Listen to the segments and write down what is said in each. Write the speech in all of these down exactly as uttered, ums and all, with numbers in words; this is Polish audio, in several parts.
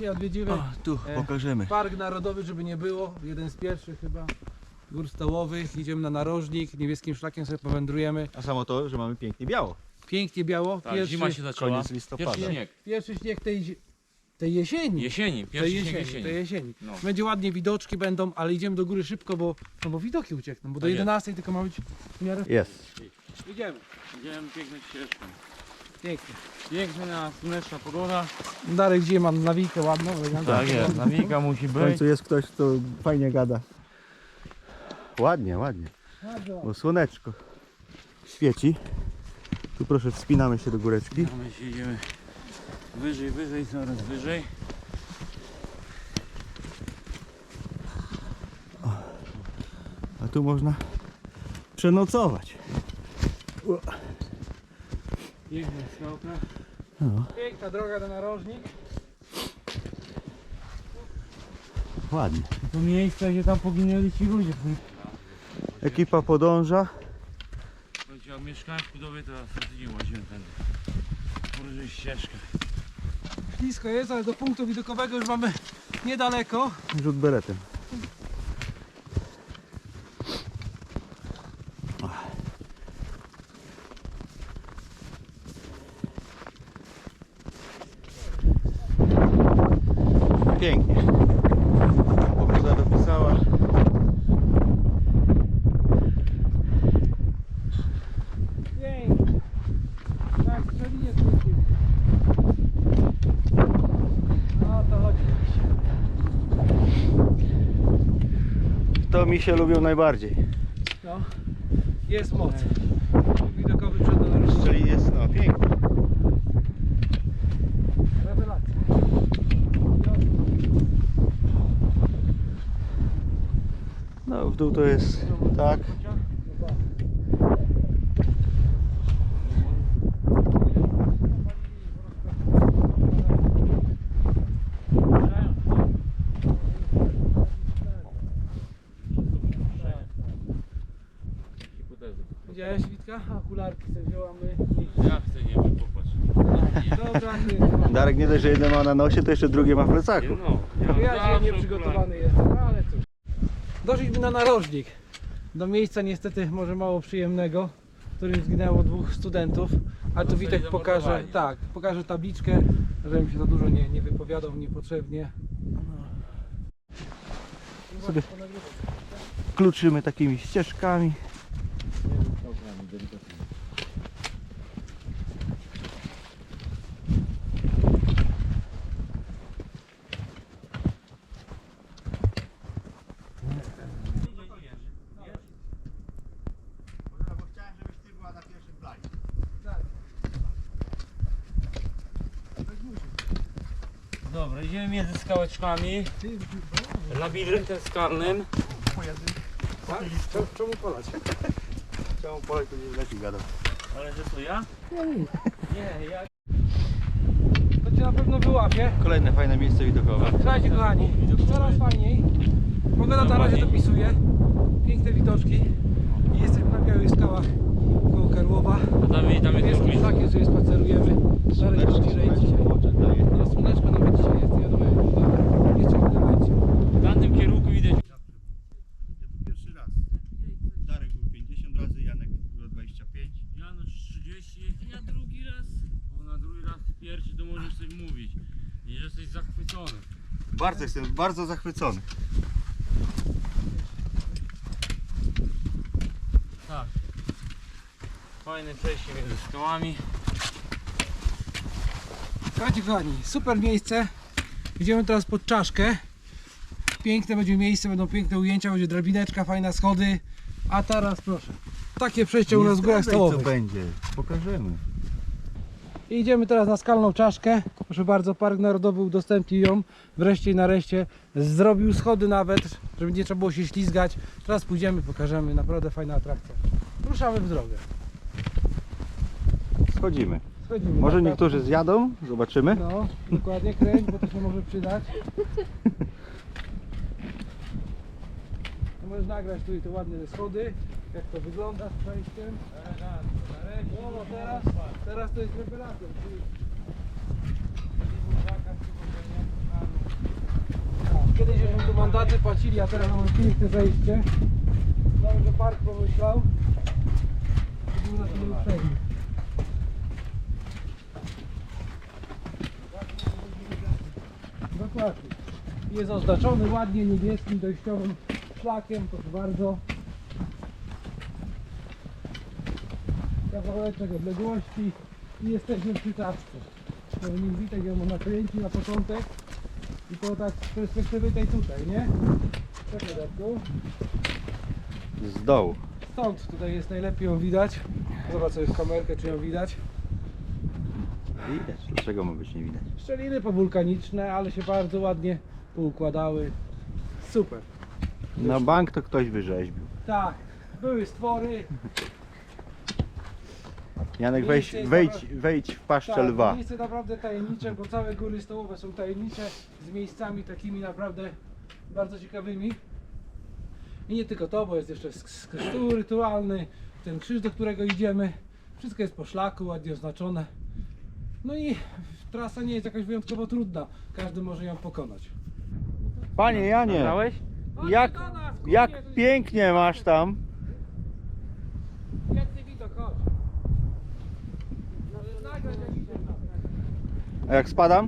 Dzisiaj odwiedzimy O, tu e, pokażemy. Park Narodowy, żeby nie było. Jeden z pierwszych chyba gór stołowych. Idziemy na narożnik, niebieskim szlakiem sobie powędrujemy. A samo to, że mamy pięknie biało. Pięknie biało. Tak, Pierwszy, zima się zaczęła. Koniec listopada. Pierwszy śnieg. pierwszy śnieg tej, zi- tej jesieni. Jesieni, Tej pierwszy śnieg jesieni, jesieni. tej jesieni. No. Będzie ładnie, widoczki będą, ale idziemy do góry szybko, bo, no bo widoki uciekną, bo do Tak jest. jedenastej tylko ma być w miarę... Jest. Idziemy. Idziemy piękną ścieżką. Pięknie. Piękna, słoneczna pogoda. Darek dzisiaj mam nawijkę ładną. elegancką. Tak jest, nawika musi W być. końcu jest ktoś, kto fajnie gada. Ładnie, ładnie. Bardzo. Bo słoneczko świeci. Tu proszę, wspinamy się do góreczki. A my się idziemy wyżej, wyżej, coraz wyżej. A tu można przenocować. Piękna skałka. No, Piękna droga na narożnik. ładnie. To miejsce, gdzie tam poginęli ci ludzie. Ekipa podąża. Słuchajcie, jak mieszkałem w budowie, to co tydzień łaziłem tędy. Położyli ścieżkę. Blisko jest, ale do punktu widokowego już mamy niedaleko. Rzut beretem. Pięknie. Pogoda dopisała. Pięknie. Tak, strzelinie skrócił. No o to chodzi. To mi się lubią najbardziej. No, jest moc. Widokowy przed narożnikiem. Czyli jest, no pięknie. Rewelacja. No w dół to jest tak. Hipotezy. Widziałeś Witka? Okularki sobie wziąłamy. Ja chcę, nie wiem, popatrz. Dobra, ty. Darek nie dość, że jedno ma na nosie, to jeszcze drugie ma w plecaku. No, Ja dzisiaj zawsze nieprzygotowany jestem, no ale cóż. Doszliśmy na narożnik. Do miejsca niestety może mało przyjemnego, w którym zginęło dwóch studentów. Ale tu Zostali Witek pokaże, zamordowani. tak, pokaże tabliczkę, żebym się za dużo nie, nie wypowiadał niepotrzebnie. Sobie kluczymy takimi ścieżkami. Dobra, idziemy między skałeczkami, labiryntem skalnym. Tak? Czemu, czemu polać? Czemu Polek tu nie leci gadał? Ale że to ja? Nie, ja. To cię na pewno wyłapie. Kolejne fajne miejsce widokowe. Słuchajcie kochani, coraz fajniej. Pogoda na razie dopisuje. Piękne widoczki. I jesteśmy na Białych Skałach koło Karłowa. A tam, tam jest Jest drugi. szlakiem sobie spacerujemy. Darek jest bliżej dzisiaj. No słoneczko nawet dzisiaj jest, nie wiadomo jak to jeszcze chwilę będzie. W tamtym kierunku widać. Ja tu pierwszy raz. Darek był pięćdziesiąt razy, Janek było dwadzieścia pięć. Janusz trzydzieści, ja drugi raz. Bo na drugi raz ty pierwszy to możesz coś mówić. I że jesteś zachwycony. Bardzo jestem, bardzo zachwycony. Tak. Fajne przejście między skałami. Słuchajcie kochani, super miejsce. Idziemy teraz pod czaszkę. Piękne będzie miejsce, będą piękne ujęcia, będzie drabineczka, fajne schody. A teraz proszę. Takie przejście u nas w górach co stołowych. będzie, pokażemy. I idziemy teraz na skalną czaszkę. Proszę bardzo, Park Narodowy udostępnił ją. Wreszcie i nareszcie zrobił schody nawet, żeby nie trzeba było się ślizgać. Teraz pójdziemy, pokażemy. Naprawdę fajna atrakcja. Ruszamy w drogę. Schodzimy. Schodzimy. Może Tak, niektórzy zjadą, zobaczymy. No, dokładnie kręć, bo to się może przydać. Możesz nagrać tu i te ładne schody, jak to wygląda z przejściem. No, no teraz, teraz to jest rewelacja. mandaty płacili, a teraz mamy piękne zejście. Nawet, że park pomyślał. I był na tym uprzejmy. Dokładnie. Jest oznaczony ładnie niebieskim dojściowym szlakiem, proszę bardzo. Kawałeczek odległości i jesteśmy przy czaszce. Pewnie Witek ją nakręci na początek i to tak z perspektywy tej tutaj, nie? Czekaj, Darku. Z dołu. Stąd tutaj jest najlepiej ją widać. Zobacz sobie w kamerkę, czy ją widać. Widać. Dlaczego ma być nie widać? Szczeliny powulkaniczne, ale się bardzo ładnie poukładały. Super. Na bank to ktoś wyrzeźbił. Tak, były stwory. Janek, Miejsce wejdź, jest wejdź, dobra. wejdź w paszczę Tak, lwa. miejsce naprawdę tajemnicze, bo całe góry stołowe są tajemnicze, z miejscami takimi naprawdę bardzo ciekawymi. I nie tylko to, bo jest jeszcze sk- stół rytualny, ten krzyż, do którego idziemy. Wszystko jest po szlaku, ładnie oznaczone. No i trasa nie jest jakaś wyjątkowo trudna, każdy może ją pokonać. Panie Janie, Nagrałeś? jak, jak pięknie masz tam. Piękny widok, chodź. Nagrać jak idziemy. A jak spadam?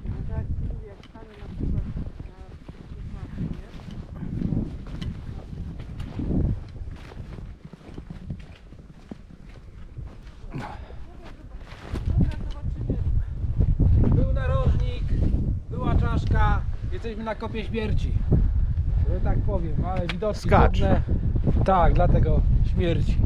Był narożnik, była czaszka, jesteśmy na kopie śmierci. Że tak powiem, ale widoczki Skacz. trudne. Tak, dlatego śmierci.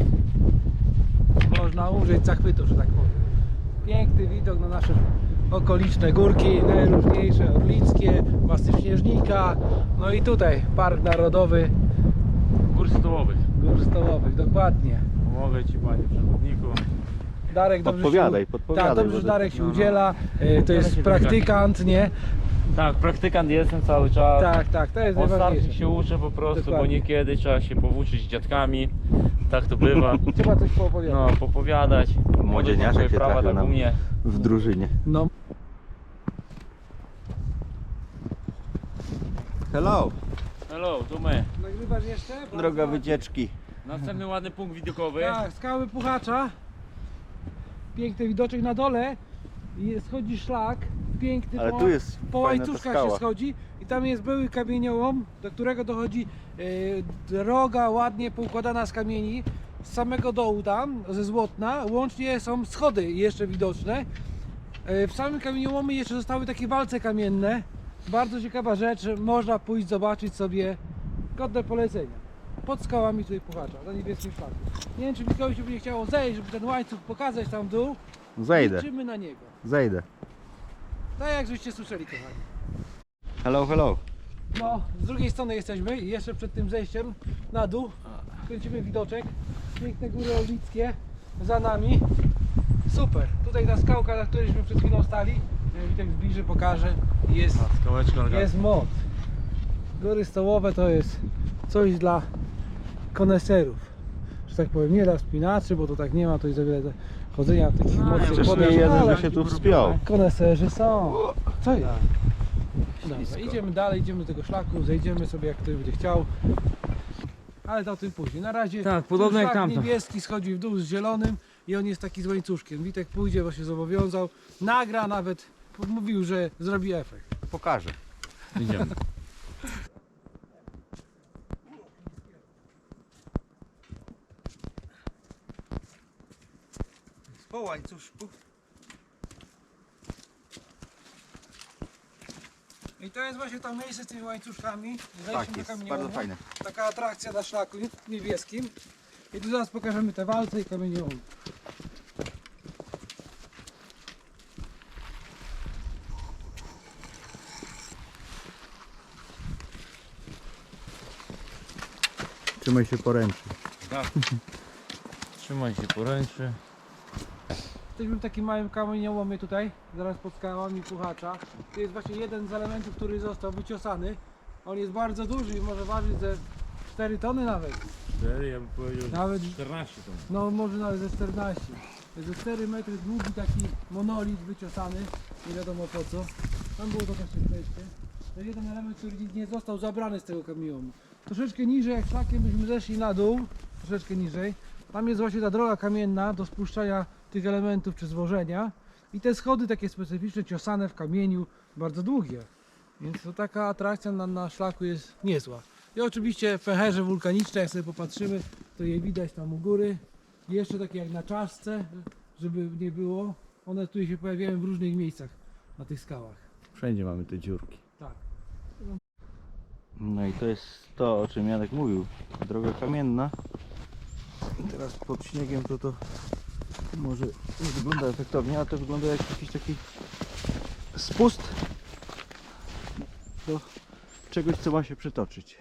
Można użyć zachwytu, że tak powiem. Piękny widok na nasze okoliczne górki, najróżniejsze, orlickie, masyw Śnieżnika. No i tutaj Park Narodowy Gór stołowych. Gór Stołowych, dokładnie. Pomogę ci, panie przewodniku. Darek dobrze Podpowiadaj, się, podpowiadaj, Tak, dobrze, bo że to- Darek się no, no. udziela. E, To jest się praktykant, nie? Tak, praktykant jestem cały czas. Tak, tak, to jest Od startu najważniejsze. się uczę po prostu, Dokładnie. bo niekiedy trzeba się powłóczyć z dziadkami. Tak to bywa. Trzeba coś poopowiadać. No, popowiadać. Młodzieniaszek Swoje się prawa trafił tak nam u mnie. w drużynie. No. Hello, Hello, tu my. Nagrywasz jeszcze? Bardzo droga ładnie. wycieczki. Następny ładny punkt widokowy. Tak, skały Puchacza. Piękny widoczek na dole. I schodzi szlak. Piękny Ale po, tu jest po fajna ta łańcuszkach się skała. schodzi. I tam jest były kamieniołom, do którego dochodzi e, droga ładnie poukładana z kamieni. Z samego dołu tam, ze Złotna, łącznie są schody jeszcze widoczne. E, w samym kamieniołomie jeszcze zostały takie walce kamienne. Bardzo ciekawa rzecz, można pójść zobaczyć sobie, godne polecenia. Pod skałami tutaj Puchacza, na niebieskim szlaku. Nie wiem, czy Mikołaj się będzie chciało zejść, żeby ten łańcuch pokazać tam w dół. Zejdę, Liczymy na niego. zejdę. Tak jak żeście słyszeli, kochani. Hello, hello. No, z drugiej strony jesteśmy i jeszcze przed tym zejściem na dół kręcimy widoczek. Piękne góry orlickie za nami. Super. Tutaj ta skałka, na którejśmy przed chwilą stali. Witek zbliży, pokaże. Jest, A, skałeczka jest moc. Góry stołowe to jest coś dla koneserów. Że tak powiem, nie dla wspinaczy, bo to tak nie ma, to jest za wiele chodzenia w takich No, mocnych Przecież nie podmiotach, jeden ale by się tu wspiął. koneserzy są. Co jest? Dobra, idziemy dalej, idziemy do tego szlaku, zejdziemy sobie jak ktoś będzie chciał. Ale to o tym później. Na razie Tak, ten podobno jak szlak tamto. niebieski schodzi w dół z zielonym i on jest taki z łańcuszkiem. Witek pójdzie, bo się zobowiązał. Nagra nawet, mówił, że zrobi efekt. Pokażę. Idziemy. Po łańcuszku. I to jest właśnie to miejsce z tymi łańcuszkami. Zejście Tak do jest, kamieniołomu. bardzo fajne. Taka atrakcja na szlaku niebieskim. I tu zaraz pokażemy te walce i kamieniołomy. Trzymaj się poręczy. Tak. Trzymaj się poręczy. Jesteśmy w takim małym kamieniołomie tutaj, zaraz pod skałami Puchacza. To jest właśnie jeden z elementów, który został wyciosany. On jest bardzo duży i może ważyć ze cztery tony nawet. cztery, ja bym powiedział, że Nawet- czternaście to. No może nawet ze czternaście. To jest ze cztery metry długi taki monolit wyciosany. Nie wiadomo po co. Tam było to też przejście. To jeden element, który nie został zabrany z tego kamionu. Troszeczkę niżej, jak szlakiem byśmy zeszli na dół, troszeczkę niżej, tam jest właśnie ta droga kamienna do spuszczania tych elementów czy złożenia. I te schody takie specyficzne, ciosane w kamieniu, bardzo długie. Więc to taka atrakcja na, na szlaku jest niezła. I oczywiście pęcherze wulkaniczne, jak sobie popatrzymy, to je widać tam u góry. I jeszcze takie jak na czaszce, żeby nie było. One tu się pojawiają w różnych miejscach na tych skałach. Wszędzie mamy te dziurki. Tak. No i to jest to, o czym Janek mówił. Droga kamienna. I teraz pod śniegiem to to może nie wygląda efektownie, a to wygląda jak jakiś taki spust do czegoś, co ma się przetoczyć.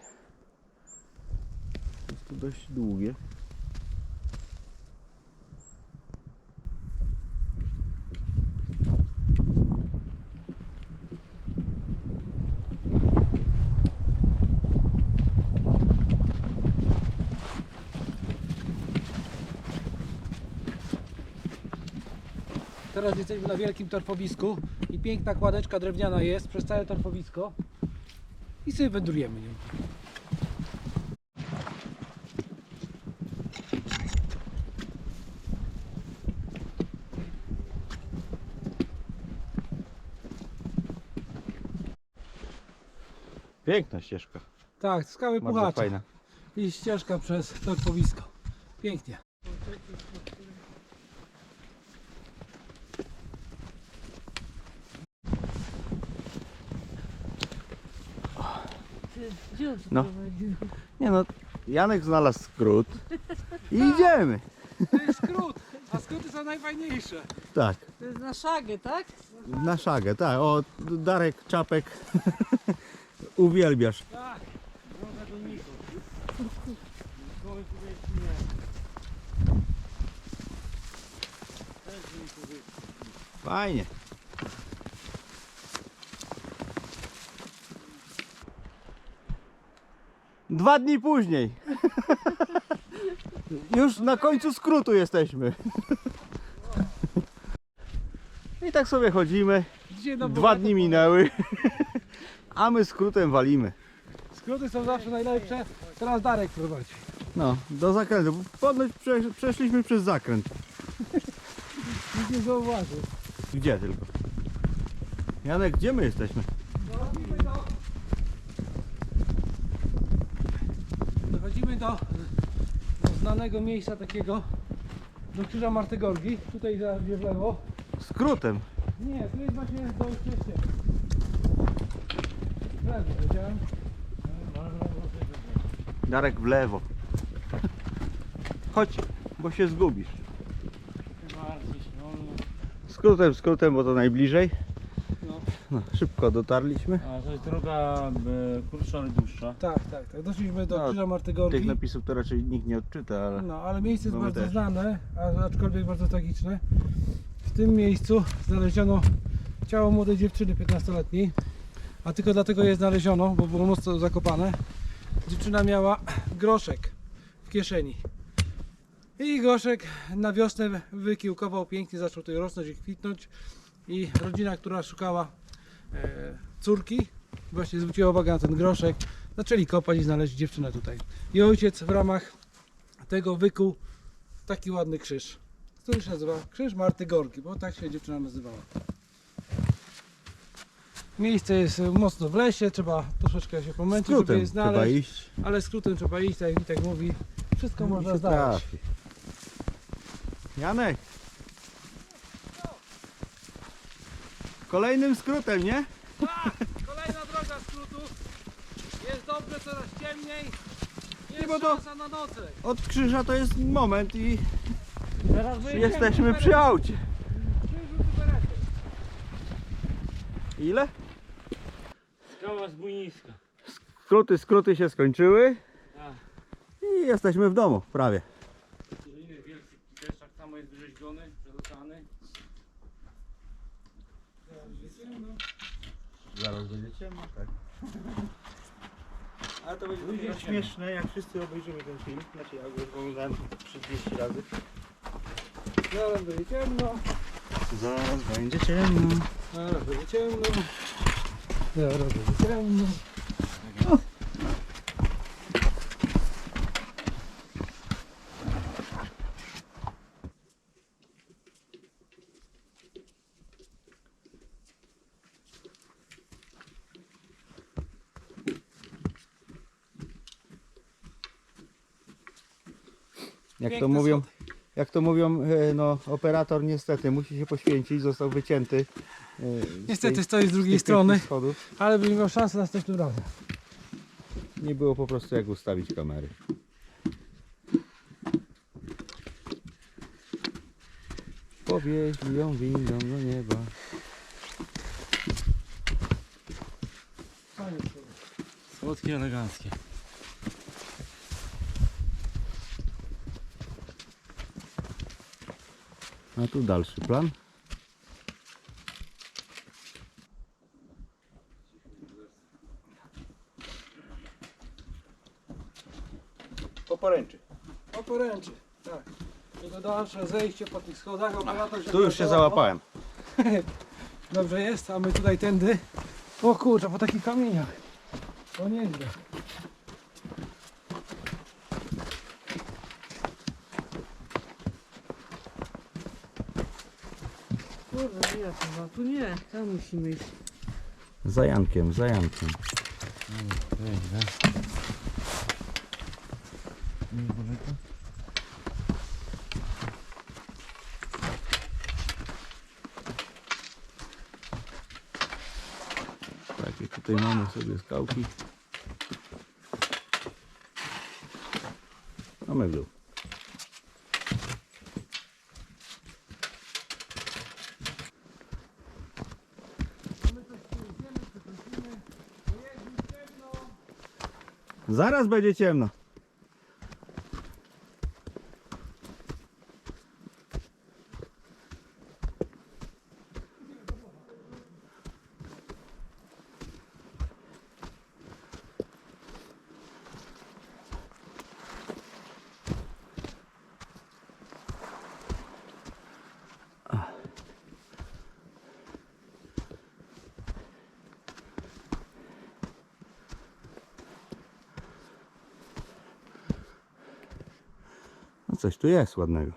Jest to dość długie. Teraz jesteśmy na wielkim torfowisku i piękna kładeczka drewniana jest przez całe torfowisko i sobie wędrujemy nią. Piękna ścieżka. Tak, skały Bardzo puchacze fajna. i ścieżka przez torfowisko. Pięknie. No. Nie no, Janek znalazł skrót i idziemy. To jest skrót, a skróty są najfajniejsze. Tak, To jest na szagę, tak? na szagę, tak. O, Darek Czapek, uwielbiasz. Tak. Droga do Niko. Nikoły tutaj nie. Też do Nikoły. Fajnie. Dwa dni później. Już na końcu skrótu jesteśmy. I tak sobie chodzimy. Dzisiaj no Dwa bogato dni powiem. minęły. A my skrótem walimy. Skróty są zawsze najlepsze. Teraz Darek prowadzi. No, do zakrętu. Ponoć prze, przeszliśmy przez zakręt. Nikt nie zauważył. Gdzie tylko? Janek, gdzie my jesteśmy? Dochodzimy do... Dochodzimy do, do znanego miejsca takiego, do krzyża Martygorgi. Tutaj zaraz w lewo. Skrótem. Nie, tu jest właśnie do przejścia. W lewo, wiedziałem. Darek w lewo. Chodź, bo się zgubisz. Bardzo się wolno. Skrótem, skrótem, bo to najbliżej. No. No, szybko dotarliśmy. A to jest droga e, krótsza, ale dłuższa. Tak, tak, tak. Doszliśmy do No, krzyża Tych Martygorgi. napisów to raczej nikt nie odczyta, ale No, ale miejsce jest No my bardzo też. znane, a aczkolwiek bardzo tragiczne. W tym miejscu znaleziono ciało młodej dziewczyny piętnastoletniej, a tylko dlatego je znaleziono, bo było mocno zakopane. Dziewczyna miała groszek w kieszeni. I groszek na wiosnę wykiełkował pięknie, zaczął tutaj rosnąć i kwitnąć. I rodzina, która szukała e, córki, właśnie zwróciła uwagę na ten groszek. Zaczęli kopać i znaleźli dziewczynę tutaj. I ojciec w ramach tego wykuł taki ładny krzyż, który się nazywa Krzyż Marty Gorki, bo tak się dziewczyna nazywała. Miejsce jest mocno w lesie, trzeba troszeczkę się pomęczyć, żeby skrótem je trzeba znaleźć, iść. ale skrótem trzeba iść, tak jak Witek mówi, wszystko I można się znaleźć. trafi. Janek! Kolejnym skrótem, nie? Tak, kolejna droga skrótów, jest dobrze, coraz ciemniej, jest bo to- szansa na nocleg. Od krzyża to jest moment i Teraz wyjdziemy. jesteśmy przy aucie. Krzyżu Tyberetu. Ile? Skała zbójniska. Skróty, skróty się skończyły Tak. i jesteśmy w domu, prawie. Inny wielki też tak samo jest wyrzeźbiony, przedostany. Zaraz będzie ciemno, tak. Ale to będzie Będzie dopiero ciemno. śmieszne, jak wszyscy obejrzymy ten film. Znaczy ja go już oglądałem trzydzieści razy. Zaraz będzie ciemno, Zaraz będzie ciemno. zaraz będzie ciemno. Dobra, będzie ciemno. Jak to Piękne mówią, jak to mówią, e, no operator niestety musi się poświęcić, został wycięty. e, z Niestety tej- stoi z z drugiej tych strony, pięknych schodów. ale bym miał szansę następnym razem. Nie było po prostu jak ustawić kamery. Powieźli ją windą do nieba. Słodkie, eleganckie. A tu dalszy plan. Po poręczy. O poręczy, tak. Jego dalsze zejście po tych schodach. Operator Tu już się załapał. załapałem. Dobrze jest, a my tutaj tędy. O kurczę, po takich kamieniach. To nieźle. Kurde, ja chyba tu nie, tam musimy iść. Za Jankiem, za Jankiem. Takie tutaj mamy sobie skałki. Mamy w dół. Zaraz będzie ciemno. No coś tu jest ładnego.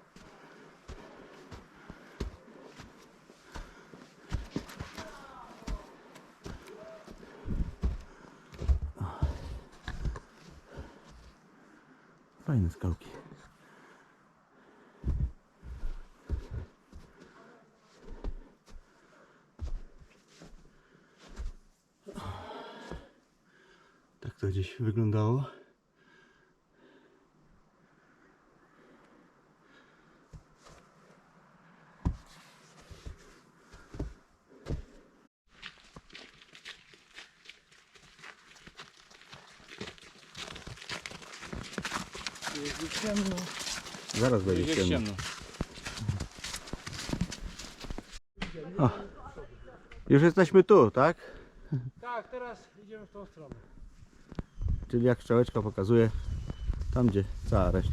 Fajne skałki. Tak to gdzieś wyglądało. Jest ciemno. Zaraz będzie Jest ciemno. ciemno. O, już jesteśmy tu, tak? Tak, teraz idziemy w tą stronę. Czyli jak strzałeczka pokazuje, tam gdzie cała reszta.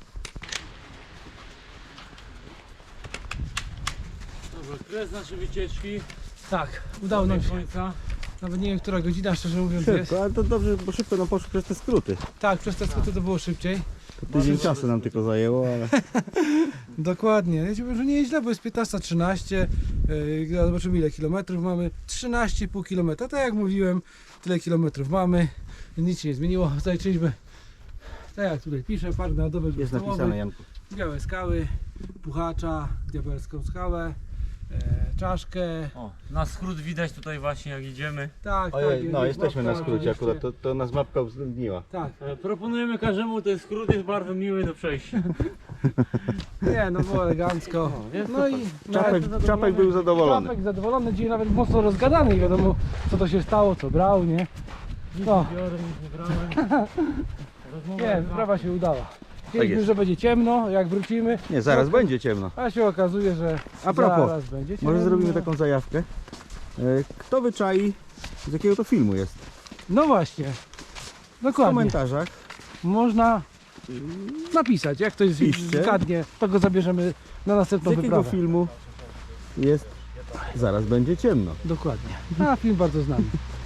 Dobra, kres naszej wycieczki. Tak, udało nam Do się. końca. Nawet nie wiem, która godzina, szczerze mówiąc, jest. Szybko, ale to dobrze, bo szybko nam poszło przez te skróty. Tak, przez te skróty to było szybciej. To tydzień czasu nam tylko zajęło, ale Dokładnie. Ja ci powiem, że nie jest źle, bo jest piętnasta trzynaście. Yy, zobaczymy ile kilometrów mamy. trzynaście i pół kilometra. Tak jak mówiłem, tyle kilometrów mamy. Nic się nie zmieniło. Zaliczyliśmy, tak jak tutaj pisze, park narodowy jest napisane, Janku. Białe skały, Puchacza, Diabelską skałę, e, czaszkę. O, na skrót widać tutaj właśnie jak idziemy. Tak, Ojej, tak. no jest jesteśmy na mapka skrócie oczywiście. akurat, to, to nas mapka uwzględniła. Tak. E, Proponujemy każdemu, ten skrót jest bardzo miły do przejścia. Nie, no było elegancko. jest No i Czapek, nawet- Czapek był zadowolony. Czapek zadowolony, dzisiaj nawet mocno rozgadany, nie wiadomo co to się stało, co brał, nie? No, Biorę, nic nie brałem. Rozmowa nie, jest sprawa się udała. Chcieliśmy, jest. że będzie ciemno, jak wrócimy, Nie, zaraz No, będzie ciemno. a się okazuje, że A propos, zaraz będzie ciemno. Może zrobimy taką zajawkę. E, Kto wyczai, z jakiego to filmu jest? No właśnie, W dokładnie. komentarzach. Można napisać, jak ktoś Piszcie. zgadnie, to go zabierzemy na Z następną jakiego wyprawę. filmu jest zaraz będzie ciemno. Dokładnie. A film bardzo znany.